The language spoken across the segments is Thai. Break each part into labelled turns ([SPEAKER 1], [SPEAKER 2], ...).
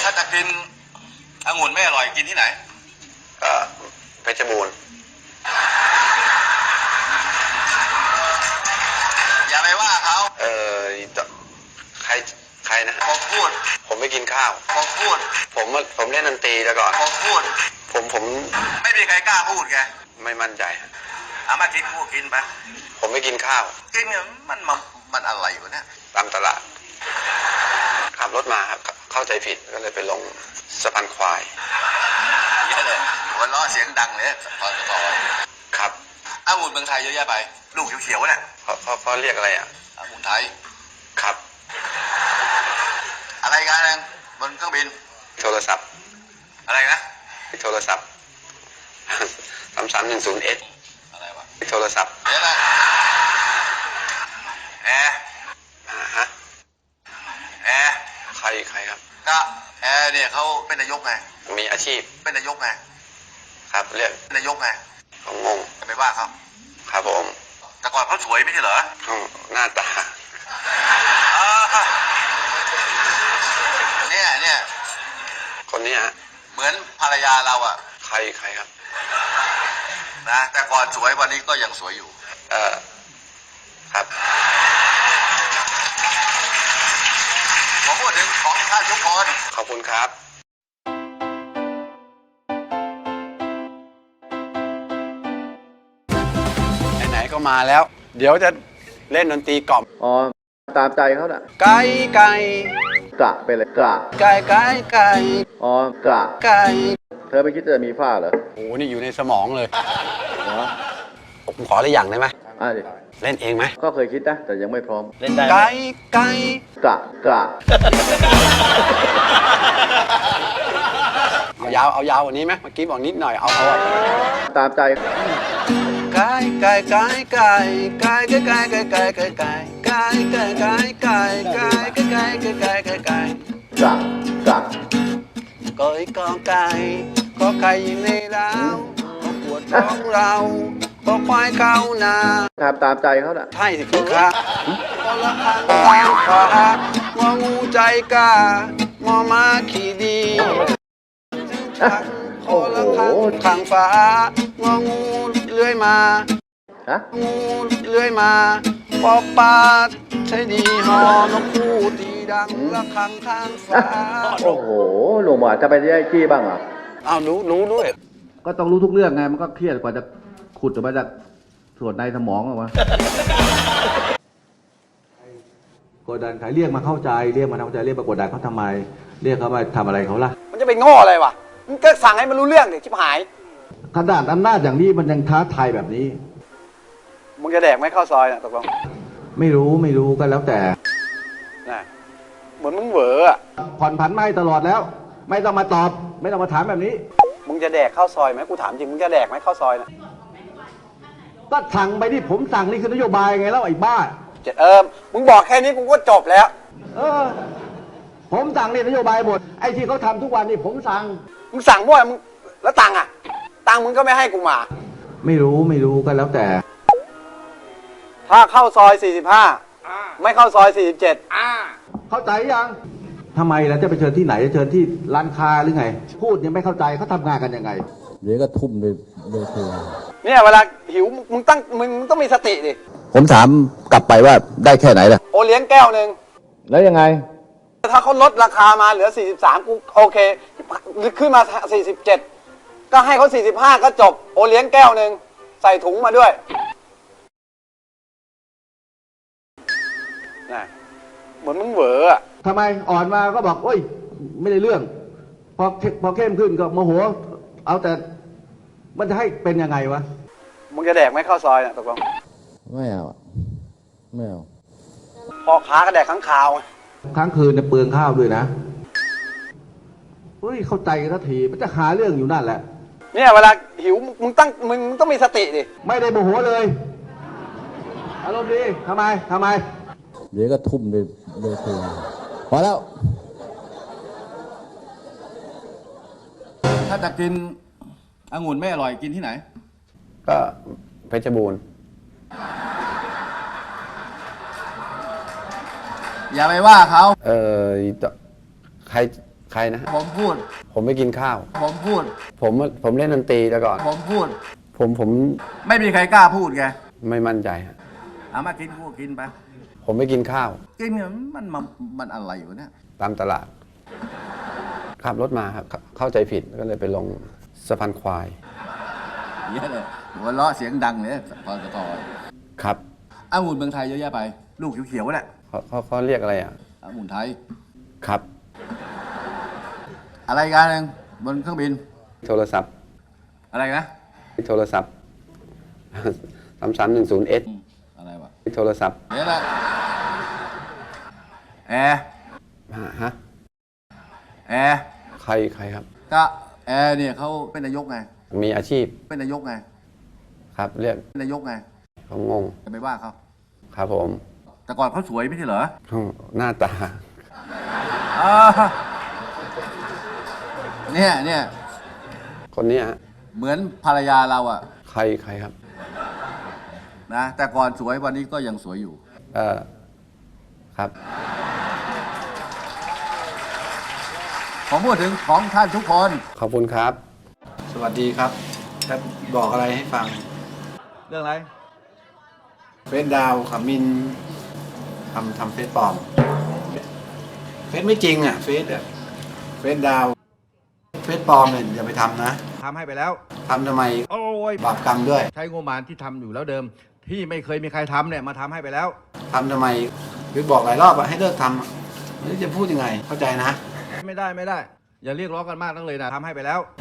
[SPEAKER 1] าจะกินองุ่นไม่อร่อยกินที่ไหน
[SPEAKER 2] ก็เพชรบูรณ์
[SPEAKER 1] อย่าไปว่าเขา
[SPEAKER 2] ใครนะ
[SPEAKER 1] ผมพูด
[SPEAKER 2] ผมไม่กินข้าว
[SPEAKER 1] ผมพูด
[SPEAKER 2] ผมเล่นดนตรีแล้วก่อน
[SPEAKER 1] ผมพูด
[SPEAKER 2] ผม
[SPEAKER 1] ไม่มีใครกล้าพูดแก
[SPEAKER 2] ไม่มั่นใจ
[SPEAKER 1] เอามากินพูดกินไป
[SPEAKER 2] ผมไม่กินข้าว
[SPEAKER 1] กินเนี่ยมันอะไรวะเนี่ย
[SPEAKER 2] ตามตลาดขับรถมาครับเข้าใจผิดก็เลยไปลงสะพานควาย
[SPEAKER 1] เยอะเลยหัวล้อเสียงดังเลยตอน
[SPEAKER 2] ครับ
[SPEAKER 1] องุ่นเมืองไทยเยอะแยะไปลูกเขียวๆเนี่ย
[SPEAKER 2] เขาเรียกอะไรอ่ะ
[SPEAKER 1] องุ่นไทย
[SPEAKER 2] ครับ
[SPEAKER 1] อะไรกันนึงบนเครื่องบิน
[SPEAKER 2] โทรศัพท์
[SPEAKER 1] อะไรนะ
[SPEAKER 2] โทรศัพท์3310S
[SPEAKER 1] อะไรวะ
[SPEAKER 2] โทรศัพท์
[SPEAKER 1] เดี๋ยวนะแอร์
[SPEAKER 2] ฮะ
[SPEAKER 1] แอร์
[SPEAKER 2] ใครครับ
[SPEAKER 1] ก็แอร์เนี่ยเขาเป็นนายกไง
[SPEAKER 2] มีอาชีพ
[SPEAKER 1] เป็นนายกไง
[SPEAKER 2] ครับเรียก
[SPEAKER 1] นายกไง
[SPEAKER 2] ผมงง
[SPEAKER 1] จะไปว่าเขา
[SPEAKER 2] ครับผม
[SPEAKER 1] แต่ก่อนเขาสวยไม่ใช่เหรอ
[SPEAKER 2] หน้าตา
[SPEAKER 1] เนี่ย
[SPEAKER 2] คนนี้ฮะ
[SPEAKER 1] เหมือนภรรยาเราอ่ะ
[SPEAKER 2] ใครครับ
[SPEAKER 1] นะแต่ก่อนสวยวันนี้ก็ยังสวยอยู่
[SPEAKER 2] ครับ
[SPEAKER 1] ผมพูดถึงของท่านทุกคน
[SPEAKER 2] ขอบคุณครับไหนๆก็มาแล้วเดี๋ยวจะเล่นดนตรีกล่อม
[SPEAKER 3] อ๋อตามใจเขาน่ะ
[SPEAKER 2] ไก่
[SPEAKER 3] กะไปเลยกะ
[SPEAKER 2] ไก่
[SPEAKER 3] อ๋อกะ
[SPEAKER 2] ไก่
[SPEAKER 3] เธอไม่คิดจะมีฝ้าเหรอ
[SPEAKER 2] โอ้นี่อยู่ในสมองเลยผมขออะไรอย่างได้ไหม
[SPEAKER 3] ดิ
[SPEAKER 2] เล่นเองไหม
[SPEAKER 3] ก็เคยคิดนะแต่ยังไม่พร้อม
[SPEAKER 2] เล่นได้ไก่
[SPEAKER 3] กะ
[SPEAKER 2] เอายาวกว่านี้ไหมเมื่อกี้บอกนิดหน่อยเอา
[SPEAKER 3] ตามใจ
[SPEAKER 2] ไก่ก้อยกองไก่ก็ไก่อยู่ในร้าวก็ปวดท้องเราก็ควายเข้านา
[SPEAKER 3] ตามใจเขาน่ะ
[SPEAKER 2] ใช่สิคุณครับก็ละคังตามขวางองูใจกล้างอม้าขี่ดีโอ้ละคังขังฟ้างองูเลื้อยมางูเลื้อยมาปอปาใช่ดีฮอนกคู่ตีดังละคังข้างฟ้า
[SPEAKER 3] โอ้โหหนุ่มอ่ะจะไปได้จี้บ้างอ่ะ
[SPEAKER 2] อ้าวรู้ด้วย
[SPEAKER 3] ก็ต้องรู้ทุกเรื่องไงมันก็เครียดกว่าจะขุดออกมาจากส่วนในสมองออกมากดดันใครเรียกมาเข้าใจเรียกมากดดันเขาทำไมเรียกเขามาทำอะไรเขาล่ะ
[SPEAKER 2] มันจะไปโง่อะไรวะมันก็สั่งให้มันรู้เรื่องเด็กชิบหาย
[SPEAKER 3] ขนาดอำนาจอย่างนี้มันยังท้าทายแบบนี้
[SPEAKER 2] มึงจะแดกไหมข้าวซอยน่ะตกลง
[SPEAKER 3] ไม่รู้ก็แล้วแต่
[SPEAKER 2] น่ะเหมือนมึงเหวอ
[SPEAKER 3] ผ่อนผันไม่ตลอดแล้วไม่ต้องมาตอบไม่ต้องมาถามแบบนี้
[SPEAKER 2] มึงจะแดกข้าวซอยไหมกูถามจริงมึงจะแดกไหมข้าวซอยน่ะ
[SPEAKER 3] ก็สั่งไปที่ผมสั่งนี่คือนโยบายไงแล้วไอ้บ้า
[SPEAKER 2] มึงบอกแค่นี้กูก็จบแล้ว
[SPEAKER 3] ผมสั่งนี่นโยบายหมดไอ้ที่เขาทำทุกวันนี่ผมสั่ง
[SPEAKER 2] มึงสั่งมั่วมึงแล้วตังค์มึงก็ไม่ให้กูมา
[SPEAKER 3] ไม่รู้ก็แล้วแต่
[SPEAKER 2] ถ้าเข้าซอย45ไม่เข้าซอย47
[SPEAKER 3] เข้าใจยังทำไมล่ะจะไปเชิญที่ไหนจะเชิญที่ร้านค้าหรือไงพูดยังไม่เข้าใจเขาทำงานกันยังไงเดี๋ยวก็ทุ่มเลยเธอ
[SPEAKER 2] เนี่ยเวลาหิวมึงต้องมีสติดิ
[SPEAKER 3] ผมถามกลับไปว่าได้แค่ไหนล่ะ
[SPEAKER 2] โอเลี้ยงแก้วนึง
[SPEAKER 3] แล้วยังไง
[SPEAKER 2] ถ้าเขาลดราคามาเหลือ43กูโอเคขึ้นมา47ก็ให้เขา45ก็จบโอเลี้ยงแก้วนึงใส่ถุงมาด้วยน่ะเหมือนมึงเหวอ
[SPEAKER 3] ทำไมอ่อนมาก็บอกโอ้ยไม่ได้เรื่องพอเข้มขึ้นก็โมโหเอาแต่มันจะให้เป็นยังไงวะ
[SPEAKER 2] มึงจะแดกไหมข้าวซอยน่ะตกลง
[SPEAKER 3] ไม่เอา
[SPEAKER 2] พอค้าก็แดกค้างคาว
[SPEAKER 3] ค้างคืนจะเปลืองข้าวด้วยนะเฮ้ยเข้าใจกันทีมันจะหาเรื่องอยู่นั่นแหละ
[SPEAKER 2] เนี่ยเวลาหิวมึงต้องมีสติดิ
[SPEAKER 3] ไม่ได้โมโหเลยอารมณ์ดีทำไมเดี๋ยวก็ทุ่มเลยเธอพอแล้ว
[SPEAKER 1] ถ้าจะกินองุ่นไม่อร่อยกินที่ไหน
[SPEAKER 2] ก็เพชรบูรณ์
[SPEAKER 1] อย่าไปว่าเขา
[SPEAKER 2] ใใครนะ
[SPEAKER 4] ผมพูด
[SPEAKER 2] ผมไม่กินข้าว
[SPEAKER 4] ผมพูด
[SPEAKER 2] ผมเล่นดนตรีแต่ก่อน
[SPEAKER 4] ผมพูด
[SPEAKER 2] ผม
[SPEAKER 4] ไม่มีใครกล้าพูดไง
[SPEAKER 2] ไม่มั่นใจฮะ
[SPEAKER 4] เอามากินกูกินไป
[SPEAKER 2] ผมไม่กินข้าว
[SPEAKER 4] กินเนี่ยมันอะไรอยู่เนี่ย
[SPEAKER 2] ตามตลาดขับรถมาครับเข้าใจผิดก็เลยไปลงสะพานควาย
[SPEAKER 4] เยอะเลยหัวเราะเสียงดังเลยพอจะพอ
[SPEAKER 2] ครับ
[SPEAKER 4] องุ่นเมืองไทยเยอะแยะไป ลูกเขียวๆแหละ
[SPEAKER 2] เขาเรียกอะไรอ่ะ
[SPEAKER 4] องุ่นไทย
[SPEAKER 2] ครับ
[SPEAKER 4] อะไรกันหนึ่งบนเครื่องบิน
[SPEAKER 2] โทรศัพท์
[SPEAKER 4] อะไรนะ
[SPEAKER 2] โทรศัพท์ 3310S
[SPEAKER 4] อะไรวะ
[SPEAKER 2] โทรศัพท์
[SPEAKER 4] เดี๋ยวละแอร์
[SPEAKER 2] ฮะ
[SPEAKER 4] แอร์
[SPEAKER 2] ใครครับ
[SPEAKER 4] ก็แอร์เนี่ยเขาเป็นนายกไง
[SPEAKER 2] มีอาชีพ
[SPEAKER 4] เป็นนายกไง
[SPEAKER 2] ครับเรียก
[SPEAKER 4] เป็นนายกไง
[SPEAKER 2] เขางง
[SPEAKER 4] จะไปว่าเขา
[SPEAKER 2] ครับผม
[SPEAKER 4] แต่ก่อนเขาสวยไม่ใช่เหรอ
[SPEAKER 2] หน้าตา
[SPEAKER 4] อ่าเนี่ย
[SPEAKER 2] คนเนี้ยฮะ
[SPEAKER 4] เหมือนภรรยาเราอะ
[SPEAKER 2] ใครครับ
[SPEAKER 4] นะแต่ก่อนสวยวันนี้ก็ยังสวยอยู่
[SPEAKER 2] ครับ
[SPEAKER 4] ผมพูดถึงของท่านทุกคน
[SPEAKER 2] ขอบคุณครับ สวัสดีครับจะบอกอะไรให้ฟัง
[SPEAKER 4] เรื่องอะไร
[SPEAKER 2] เฟซดาวขมินทำเฟซปลอม เฟซไม่จริงอ่ะ เฟซดาวเฟซปลอมเนี่ยอย่าไปทำนะ
[SPEAKER 5] ทำให้ไปแล้ว
[SPEAKER 2] ทำทำไม
[SPEAKER 5] โอ้ย
[SPEAKER 2] บาปกรรมด้วย
[SPEAKER 5] ใช้งบประมาณที่ทำอยู่แล้วเดิม ที่ไม่เคยมีใครทำเนี่ยมาทำให้ไปแล้ว
[SPEAKER 2] ทำทำไมคือบอกหลายรอบอะให้เลิกทำอะไม่รู้จะพูดยังไง เข้าใจนะ
[SPEAKER 5] ไม่ได้ อย่าเรียกร้องกันมากนักเลยนะทำให้ไปแล้ว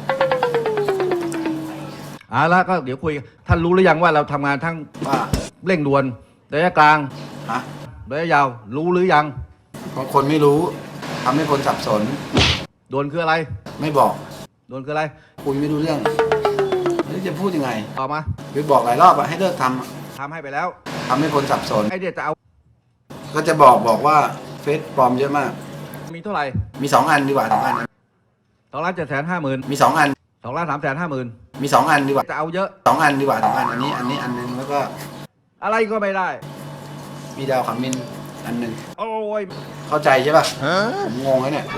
[SPEAKER 5] เอาละก็เดี๋ยวคุยท่านรู้หรือยังว่าเราทำงานทั้ง
[SPEAKER 2] ว่า
[SPEAKER 5] เร่งด่วนระยะกลาง
[SPEAKER 2] ฮะ
[SPEAKER 5] ระยะยาวรู้หรือยัง
[SPEAKER 2] บางคนไม่รู้ทำให้คนสับสน
[SPEAKER 5] ด่วนคืออะไร
[SPEAKER 2] ไม่บอก
[SPEAKER 5] ด่วนคืออะไร
[SPEAKER 2] คุยไม่รู้เรื่องไม่รู้จะพูดยังไง
[SPEAKER 5] ต่อมา
[SPEAKER 2] คือบอกหลายรอบอะให้เลิกทำอะ
[SPEAKER 5] ทำให้ไปแล้ว
[SPEAKER 2] ทำให้คนสับสน
[SPEAKER 5] ไอเดียจะเอา
[SPEAKER 2] ก็จะบอกว่าเฟซปลอมเยอะมาก
[SPEAKER 5] มีเท่าไหร่
[SPEAKER 2] มี2 อันดีกว่า2 อัน
[SPEAKER 5] 2,750,000
[SPEAKER 2] มี2 อัน
[SPEAKER 5] 2,350,000
[SPEAKER 2] มี2 อันดีกว่า
[SPEAKER 5] จะเอาเยอะ
[SPEAKER 2] 2 อันดีกว่า2 อันอันนี้อันนึงแล้วก็
[SPEAKER 5] อะไรก็ไม่ได้
[SPEAKER 2] มีดาวขมินอันหนึ่ง
[SPEAKER 5] โอ้ย
[SPEAKER 2] เข้าใจใช่ป่ะผมงงแล้วเนี่ย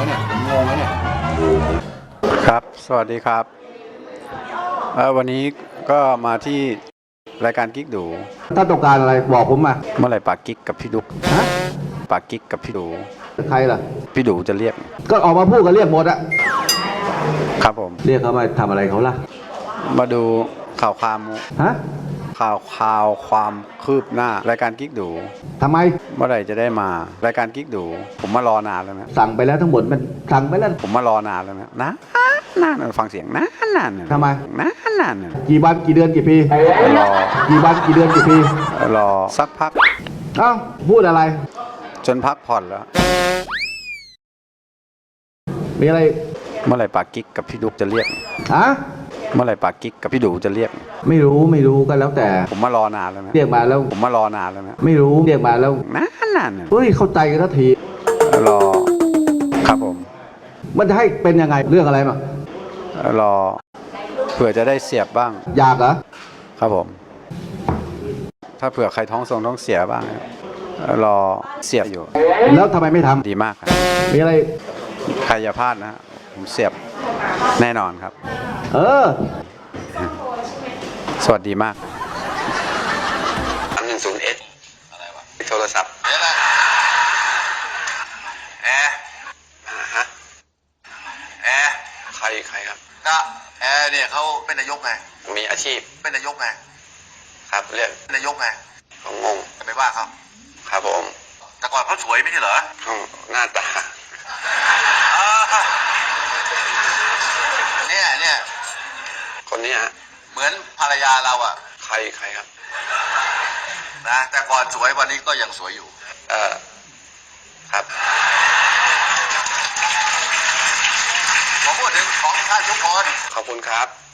[SPEAKER 2] ครับ สวัสดีครับวันนี้ก็มาที่รายการกิ๊กดู
[SPEAKER 3] ถ้าต้องการอะไรบอกผมมา
[SPEAKER 2] เมื่อไหร่ปากกิ๊กกับพี่ดุก
[SPEAKER 3] ฮะ
[SPEAKER 2] ปากกิ๊กกับพี่ดู
[SPEAKER 3] ใครล่ะ
[SPEAKER 2] พี่ดูจะเรียก
[SPEAKER 3] ก็ออกมาพูดกันเรียกหมดอะ
[SPEAKER 2] ครับผม
[SPEAKER 3] เรียกเขามาทำอะไรเขาล่ะ
[SPEAKER 2] มาดูข่าวความ
[SPEAKER 3] ฮะ
[SPEAKER 2] ความคืบหน้ารายการกิ๊กดู
[SPEAKER 3] ทำไม
[SPEAKER 2] เมื่อไหร่จะได้มารายการกิ๊กดู ผมมารอนานแล้วนะ
[SPEAKER 3] สั่งไปแล้วทั้งหมดมันสั่งไปแล้ว
[SPEAKER 2] ผมมารอนานแล้วนะนานฟังเสียงนาน
[SPEAKER 3] ทำไม
[SPEAKER 2] นาน
[SPEAKER 3] กี่วันกี่เดือนกี่ปี
[SPEAKER 2] รอ
[SPEAKER 3] กี่วันกี่เดือนกี่ปี
[SPEAKER 2] รอสักพัก
[SPEAKER 3] เอ้าพูดอะไร
[SPEAKER 2] จนพักผ่อนแล้ว
[SPEAKER 3] มีอะไร
[SPEAKER 2] เมื่อไหร่ปากกิ๊กกับพี่ดุกจะเรียก
[SPEAKER 3] ฮะ
[SPEAKER 2] เมื่อไหร่ปากกิ๊กกับพี่ดูจะเรียก
[SPEAKER 3] ไม่รู้ก็แล้วแต่
[SPEAKER 2] ผมมารอนานแล้วนะ
[SPEAKER 3] เรียกมาแล้ว
[SPEAKER 2] ผมมารอนานแล้วนะ
[SPEAKER 3] ไม่รู้เรียกมาแล้ว
[SPEAKER 2] นาน
[SPEAKER 3] เฮ้ยเข้าใจกันทันที
[SPEAKER 2] รอครับผม
[SPEAKER 3] มันจะให้เป็นยังไงเรื่องอะไรมาร
[SPEAKER 2] อเผื่อจะได้เสียบบ้าง
[SPEAKER 3] อยากเหรอ
[SPEAKER 2] ครับผม ถ้าเผื่อใครท้องเสียบ้างรอเสียบอยู่
[SPEAKER 3] แล้วทำไมไม่ทำ
[SPEAKER 2] ดีมากครับ
[SPEAKER 3] มีอะไร
[SPEAKER 2] ใครอย่าพลาดนะ ผมเสียบแน่นอนครับ
[SPEAKER 3] เออ
[SPEAKER 2] สวัสดีมาก 310S
[SPEAKER 1] อะไรวะ
[SPEAKER 2] โทรศัพท์
[SPEAKER 1] เดี๋ยวละแอร์
[SPEAKER 2] ฮะ
[SPEAKER 1] แอร์
[SPEAKER 2] ใครครับ
[SPEAKER 1] ก็แอร์เนี่ยเขาเป็นนายกไง
[SPEAKER 2] มีอาชีพ
[SPEAKER 1] เป็นนายกไง
[SPEAKER 2] ครับเรียก
[SPEAKER 1] เป็นนายกไง
[SPEAKER 2] เขางง
[SPEAKER 1] จะไปว่าเขา
[SPEAKER 2] ครับผม
[SPEAKER 1] แต่ก่อนเขาสวยไม่ใช่เหรอ
[SPEAKER 2] หน้าตา
[SPEAKER 1] อ่าเนี่ย
[SPEAKER 2] คนนี้ฮะ
[SPEAKER 1] เหมือนภรรยาเราอะ
[SPEAKER 2] ใครครับ
[SPEAKER 1] นะแต่ก่อนสวยวันนี้ก็ยังสวยอยู่
[SPEAKER 2] ครับ
[SPEAKER 1] ผมพูดถึงของท่านทุกคน
[SPEAKER 2] ขอบคุณครับ